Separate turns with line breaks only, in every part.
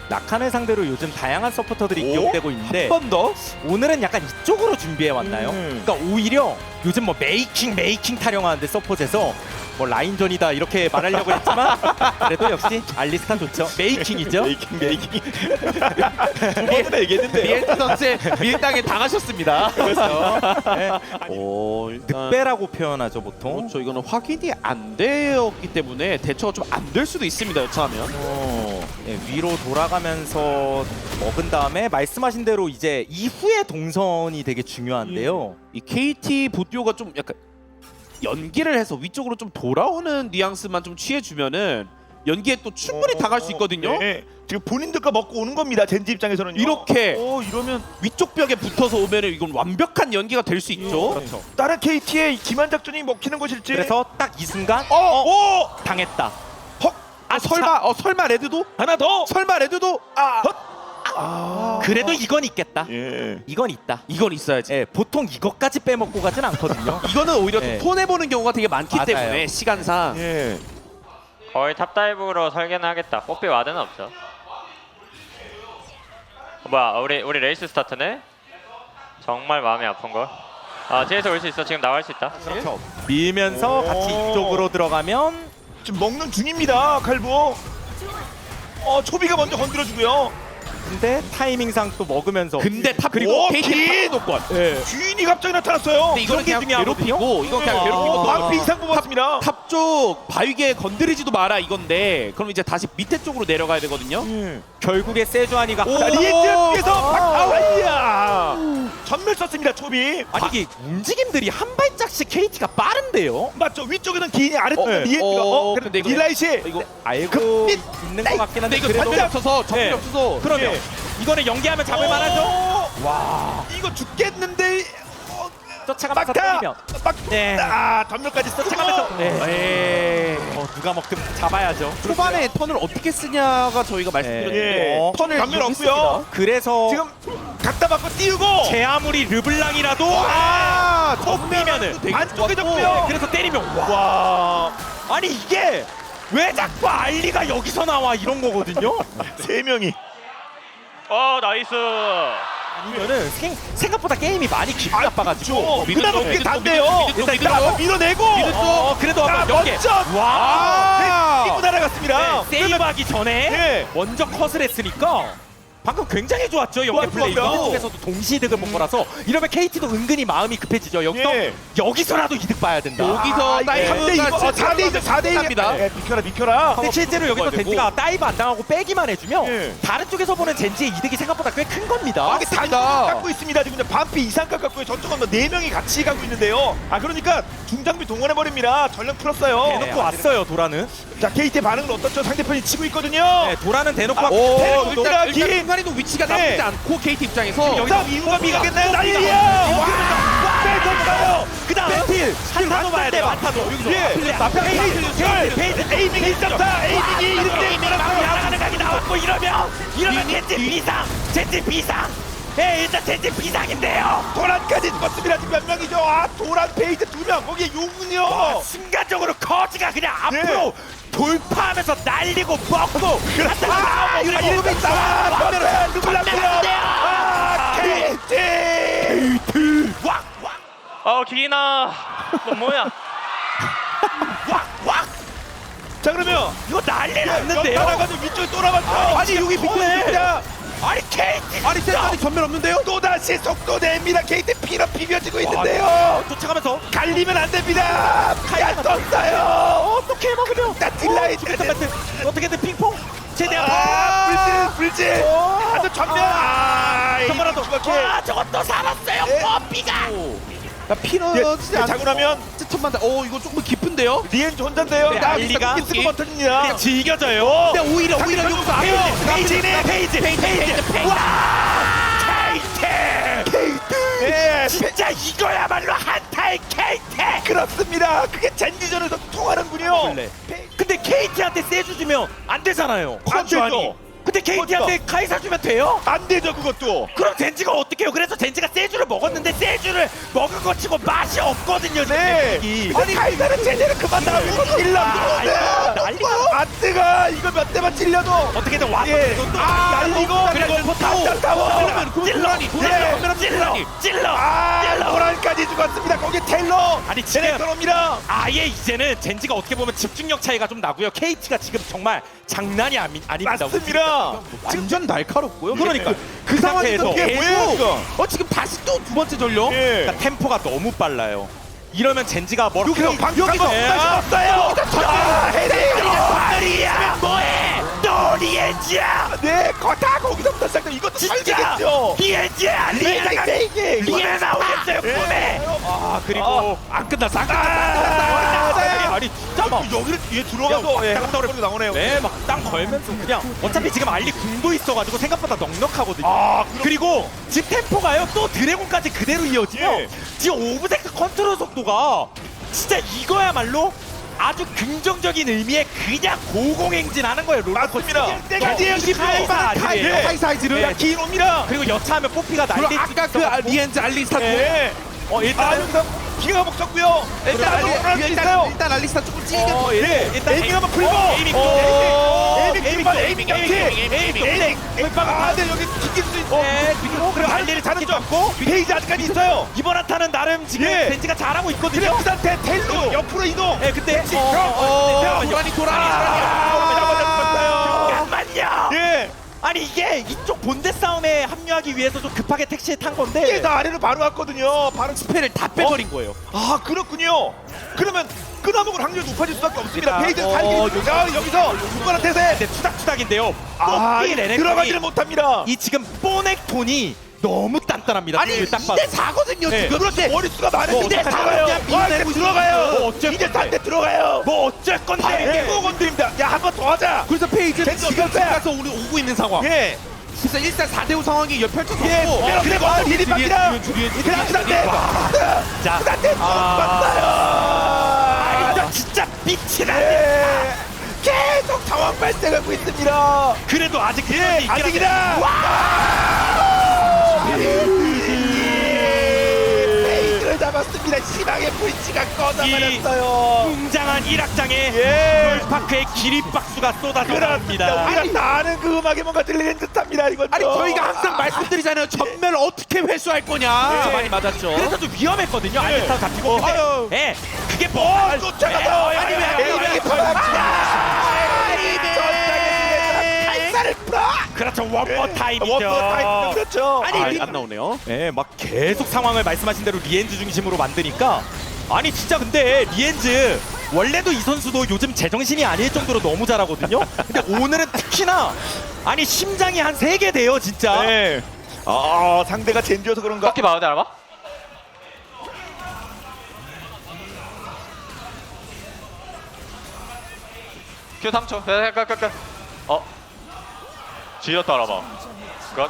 라칸을 상대로 요즘 다양한 서포터들이
오?
기용되고 있는데
한 번 더?
오늘은 약간 이쪽으로 준비해 왔나요? 그러니까 오히려 요즘 뭐 메이킹 타령하는데 서폿에서 뭐 라인전이다 이렇게 말하려고 했지만 그래도 역시 알리스탄 좋죠. 메이킹이죠.
메이킹. 두 번이나 얘기했는데요.
리엔트 선수의 밀당에 당하셨습니다.
그렇죠. 네.
일단
늑배라고 표현하죠 보통.
그렇죠. 이거는 확인이 안 되었기 때문에 대처가 좀 안 될 수도 있습니다. 여차하면.
네, 위로 돌아가면서 먹은 다음에 말씀하신 대로 이제 이후의 동선이 되게 중요한데요.
이 KT 보듀오가 좀 약간 연기를 해서 위쪽으로 좀 돌아오는 뉘앙스만 좀 취해주면은 연기에 또 충분히 당할 수 있거든요.
네. 지금 본인들 거 먹고 오는 겁니다. 젠지 입장에서는
이렇게
이러면
위쪽 벽에 붙어서 오면은 이건 완벽한 연기가 될 수 있죠.
그렇죠.
다른 KT의 기만 작전이 먹히는 것일지.
그래서 딱 이 순간
오!
당했다.
설마 레드도?
하나 더.
설마 레드도?
그래도 이건 있겠다.
예.
이건 있다.
이건 있어야지.
예, 보통 이것까지 빼먹고 가진 않거든요.
이거는 오히려
네.
좀 손해 보는 경우가 되게 많기
맞아요.
때문에 시간상.
예.
거의 탑다이브로 설계는 하겠다. 뽀삐 와드는 없죠. 뭐야 우리 레이스 스타트네? 정말 마음이 아픈걸. 뒤에서 올 수 있어. 지금 나갈 수 있다.
그렇죠. 밀면서 같이 이쪽으로 들어가면
지금 먹는 중입니다. 칼부. 초비가 먼저 건드려주고요.
근데 타이밍상 또 먹으면서
근데 탑
그리고
KT
긴!
노권.
귀인이 갑자기 나타났어요.
근데 이거는 그냥
중요하거든요.
괴롭히고 이건 그냥 괴롭히고
방피 이상 뽑았습니다.
탑쪽 바위게 건드리지도 마라 이건데 그럼 이제 다시 밑에 쪽으로 내려가야 되거든요.
결국에 세주아니가
자, 리엔트에서 박아와이야 전멸 썼습니다. 초비.
아니 이게 움직임들이 한 발짝씩 KT가 빠른데요.
맞죠? 위쪽에는 기인이 아래쪽은 리엔트가
근데 이거
딜라이시
이거
알고 있는 것 같긴 한데
근데 이거
그래도
전멸이 없어서 전멸이
네.
없어서
그러면
예.
이거는 연기하면 잡을 만하죠.
와 이거 죽겠는데.
쫓아가면서
막타.
때리면
네. 전멸까지
쫓아가면서
네.
누가 먹든 잡아야죠.
초반에 턴을 어떻게 쓰냐가 저희가 말씀드렸는데
예.
턴을
전멸 없고요.
이용했습니다.
그래서
지금 갖다 받고 띄우고.
제 아무리 르블랑이라도 꺾이면은
안쪽에 잡고요.
그래서 때리면 와.
와.
아니 이게 왜 자꾸 알리가 여기서 나와 이런 거거든요.
세 명이.
나이스.
아니면은 생각보다 게임이 많이 기분 나빠가지고
그다음 어깨 단대요.
미드
일단 한번 밀어내고.
그래도 한번 연계.
먼저.
와.
뛰고 날아갔습니다.
세이브하기 전에
예.
먼저 컷을 했으니까 방금 굉장히 좋았죠. 연계 플레이가
좋았어요.
쪽에서도 동시 이득을 본 거라서 이러면 KT도 은근히 마음이 급해지죠. 여기서라도 이득 봐야 된다.
여기서
근데 이거 4대2 4대1
합니다.
비켜라.
근데 실제로 여기서
되고.
젠지가 다이브 안 당하고 빼기만 해주면
예.
다른 쪽에서 보는 젠지의 이득이 생각보다 꽤 큰 겁니다.
이게 단독 갖고 있습니다. 지금 반피 이상 갖고 저쪽은 뭐 4명이 같이 가고 있는데요. 그러니까 중장비 동원해 버립니다. 전력 풀었어요.
대놓고 왔어요. 도라는.
자, KT의 반응은 어떻죠? 상대편이 치고 있거든요.
네, 도라는 대놓고 왔고.
일단
일단 순간이동 위치가
네.
나쁘지 않고 KT 입장에서
여기서 이유가 미가겠나요? 난리야! 뺏었어요!
그 다음 배틀 한타도 봐야 돼요. 한타도 여기서
페이지 에이밍이 1.4 에이밍이 1대1
나가는 각이 나왔고 이러면 젠지 비상 일단 젠지 비상인데요.
도란까지 죽었습니다. 지금 몇 명이죠? 도란 페이지 2명 거기에 용은요.
순간적으로 커지가 그냥
네.
앞으로 돌파하면서 날리고 먹고
이렇게 있다. 누굴라고요? KT
기나. 너 뭐야?
자 그러면
이거 난리
역
났는데요.
나가지고 위쪽에 또 나갔죠.
아니, 여기
밑에
아니 KT
아니 세상에 전멸 없는데요?
또다시 속도 냅니다. KT 피로 비벼지고 있는데요.
쫓아가면서
갈리면 안 됩니다. 야 떴어요.
어떻게 먹으면
나 딜라이
어떻게든 핑퐁 제대한
불질 아주 전면
저거라도
이거
저것도 살았어요.
네.
뽀삐가
피너지 않고
자고 나면
스톱만 이거 조금 깊은데요?
리엔 혼자인데요.
네,
나
알리가
쓰고 버튼이야.
그냥 즐겨져요.
근데 오히려 여기서
페이지
예,
진짜 이거야말로 한타의 KT.
그렇습니다. 그게 젠지전에서 통하는군요.
근데 KT한테 세주 주면 안 되잖아요.
안 되죠.
근데 KT한테 카이사 주면 돼요?
안 되죠 그것도.
그럼 젠지가 어떻게 해요? 그래서 젠지가 세주를 먹었는데 세주를 먹은 것 치고 맛이 없거든요.
네.
이
아니 카이사는 제대로 그만 나가고 일라
난리가
안 럭스가 이거 몇 대만 찔려도
어떻게든 와서
예.
또
날리고
그래서
타워
찔러
노란까지 죽었습니다. 거기 테일러
아니, 지금
들어옵니다.
아예 이제는 젠지가 어떻게 보면 집중력 차이가 좀 나고요. KT가 지금 정말 장난이 아닙니다.
맞습니다.
완전 날카롭고요.
그러니까
그 상황에서
상태에서
이게 뭐예요, 이거?
지금 다시 또 두 번째 전력.
예.
그러니까 템포가 너무 빨라요. 이러면 젠지가 뭘
여기서 방금
여기서
없어요.
리야 뭐해? 또 리엔지야.
네, 다 거기서부터 시작돼. 이것도
진짜
살리겠죠.
리엔지야. 리엔지가 리에 나오겠어요. 꿈에. 아 그리고 안 끝났어. 안 끝났어. 아니 진짜 막
여기를 뒤에 들어가서
야,
땅 떨어지고 나오네요.
네, 막 땅 걸면서 그냥 어차피 지금 알리 궁도 있어가지고 생각보다 넉넉하거든요.
아,
그리고 지금 템포가요 또 드래곤까지 그대로 이어지면
예.
지금 오브젝트 컨트롤 속도가 진짜 이거야말로 아주 긍정적인 의미의 그냥 고공행진하는 거예요.
맞습니다.
땡땡이에요.
하이사이즈를.
네.
긴 옵니다.
그리고 여차하면 뽀삐가
그리고
날릴
아까 그 리엔즈 알리스타
예. 일단 여기서 기가 먹었고요.
일단 알리스타 조금 찔겨.
에이밍 한번 풀고. 에이밍 아, 네, 여기 튕길 수 있어. 그래, 알리를 자는 줄 알고 페이지 아직까지 있어요.
이번 한타는 나름 지금
예.
벤지가 잘하고
그래,
있거든요.
그 상태 텔로 옆으로 이동.
네, 그때 잠깐만요.
예.
아니 이게 이쪽 본대 싸움에 합류하기 위해서 좀 급하게 택시에 탄 건데
이게 다 아래로 바로 왔거든요. 바로
스펠을 다 빼버린 거예요.
아, 그렇군요. 그러면 끊어먹을 확률이 높아질 수밖에 없습니다. 페이지 살기 여기서 누구한테서
근데 투닥투닥인데요. 뽀삐 레넥톤이
들어가지를 못합니다.
이 지금 뽀넥톤이 너무 단단합니다.
아니,
딱 봐도.
2대4거든요.
네.
지금. 그렇지. 머릿수가 많은데
뭐
2대4가요. 들어가요.
뭐 어쩔
이제
건데.
3대 들어가요.
뭐 어쩔 건데.
또 건드립니다. 야, 한 번 더 하자.
그래서 페이지는
젠지
지금
어떡해?
가서 우리 오고 있는 상황.
예.
그래서 일단 4대5 상황이 펼쳐졌고.
예. 그리고 미리 바뀌다. 그냥 그 상태.
자,
그 상태 봤어요.
진짜 빛이 나.
예. 계속 상황 발생하고 있습니다.
그래도 아직
예, 아직이다. 페이지를 잡았습니다. 희망의 불치가 꺼져버렸어요.
웅장한 일악장에
예.
파크의 기립박수가 쏟아져
그렇습니다.
나옵니다.
우리가 다 아는 그 음악에 뭔가 들리는 듯합니다. 이건
아니 저희가 항상 말씀드리잖아요. 전멸 어떻게 회수할 거냐.
예.
많이 맞았죠.
그래서 좀 위험했거든요. 알리스타가 잡히고.
아유.
근데 예, 그게 뭐
쫓아가서
아니, 왜
에이밍이 탈사를 풀어.
그렇죠. 원머 타임이죠.
원더 타임 그렇죠.
아니,
안 나오네요.
예, 막 계속 상황을 말씀하신 대로 리엔즈 중심으로 만드니까 아니 진짜 근데 리엔즈 원래도 이 선수도 요즘 제정신이 아닐 정도로 너무 잘하거든요. 근데 오늘은 특히나 아니 심장이 한 3개 돼요 진짜.
네. 상대가 젠지여서 그런가?
꺾기 봐도 알아봐? 큐 3초. 끝. 지렸다 알아봐. 끝.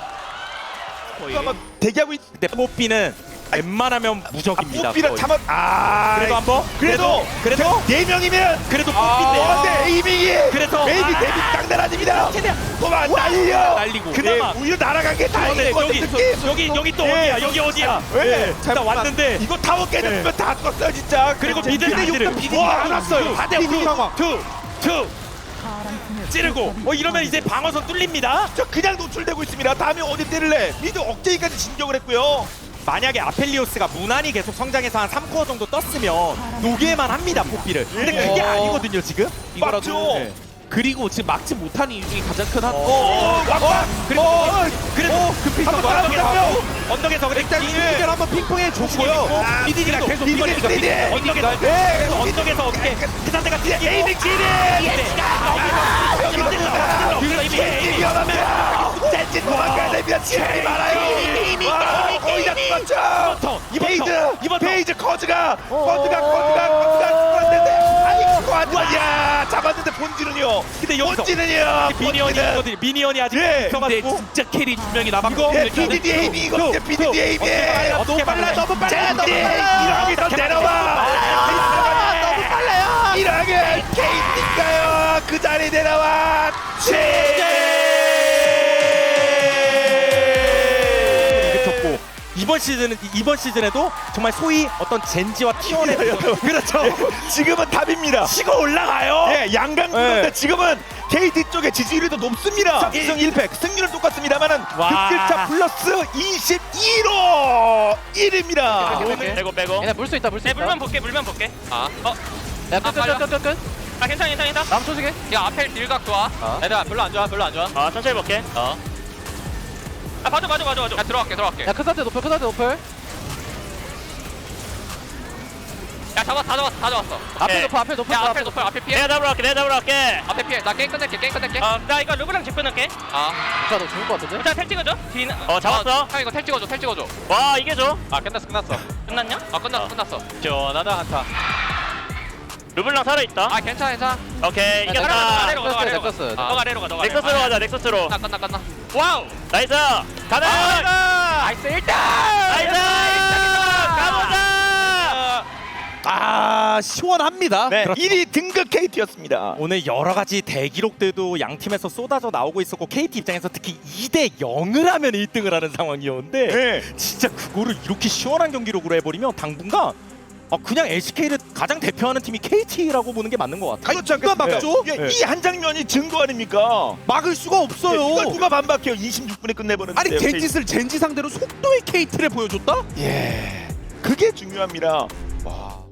아마 대기하고 있.
근데 뽀삐는 웬만하면 무적입니다.
뽀삐랑
거의.
참아.
그래도 한번
그래도 네 명이면
그래도 뽀삐인데.
근데 에이밍이
그래서
데뷔 장난 아닙니다.
최대한
그만 날려.
날리고.
그나마.
오히려 날아간 게 다행인
여기 또
예.
어디야? 여기 어디야?
왜?
일단 왔는데
이거 타워 깨졌으면 다 껐어요 진짜.
그리고 미드
근데
미드를
욕도 비디디 안 왔어요.
4대 2 찌르고 이러면 이제 방어선 뚫립니다.
저 그냥 노출되고 있습니다. 다음에 어디 때릴래? 미드 억제기까지 진격을 했고요.
만약에 아펠리오스가 무난히 계속 성장해서 한 3코어 정도 떴으면 녹일만 합니다 뽀삐를. 근데 그게 아니거든요 지금.
맞죠?
네. 그리고 지금 막지 못한 이유 중에 가장 큰 한.
그래도 급히서
한번
언덕에서 근데
일단 이들 한번 핑퐁해 줬고요.
미디가 계속
미디가
언덕에서
네.
언덕에서 어떻게 그 상태가
에이밍 지리. 위험합니다. 젠지 도망가야 됩니다. 시간이 많아요. 거의 다 죽었죠. 페이즈 커즈가 죽었는데 아니 그거 아니야. 잡았는데 본질은요.
근데 여기서
본질은요.
미니언이 아직
근데
있어가지고
진짜 캐리 2명이 남았고.
BDD 에이밍 이거 BDD 에이밍.
어떻게 빨라 너무 빨라
이러면서 내려와. 너무 빨라요. 이러면 케이티가요. 그 자리 내려와.
이번 시즌에도 정말 소위 어떤 젠지와 T1의 그렇죠.
지금은 답입니다.
치고 올라가요.
예, 양강 구도인데 지금은 KT 쪽의 지지율이 더 높습니다. 1승 1패 승률은 똑같습니다만은
와.
득실차 플러스 22로 1입니다.
빼고
얘네 물 수 있다 물 수
네,
있다.
물만 볼게
야 끝.
아 괜찮아
남 조직해.
야 앞에 딜각 좋아 얘들아 별로 안 좋아 아 천천히 볼게 아 봐줘 야 들어갈게
야 크사드 노플.
야 다 잡았어
앞에 노플.
야 앞에 높여 앞에 피해 내가 잡으러 갈게 앞에 피해 나 게임 끝낼게 나 이거 루브랑 집 끊을게
야 너 죽을 것 같은데?
일단 텔 찍어줘 잡았어 형 이거 텔 찍어줘 와 이게 줘? 아 끝났냐? 아 끝났어 시원하다 한타 루블랑 살아있다 아 괜찮아 오케이
야,
이겼다
넥서스.
너가 아래로 가 넥서스로 가자 넥서스로 끝나 와우 나이스 가자 나이스 1등 나이스 가보자
아 시원합니다.
네,
그렇죠.
1위 등극 KT였습니다.
오늘 여러 가지 대기록들도 양 팀에서 쏟아져 나오고 있었고 KT 입장에서 특히 2대 0을 하면 1등을 하는 상황이었는데
네.
진짜 그거를 이렇게 시원한 경기력으로 해버리면 당분간 그냥 LCK를 가장 대표하는 팀이 KT라고 보는 게 맞는 것 같아요.
그렇죠.
누가 막죠?
이 한 장면이 증거 아닙니까?
막을 수가 없어요.
이걸 누가 반박해요? 26분에 끝내버렸는데.
아니 젠짓을 젠지 상대로 속도의 KT를 보여줬다?
그게 중요합니다.
와.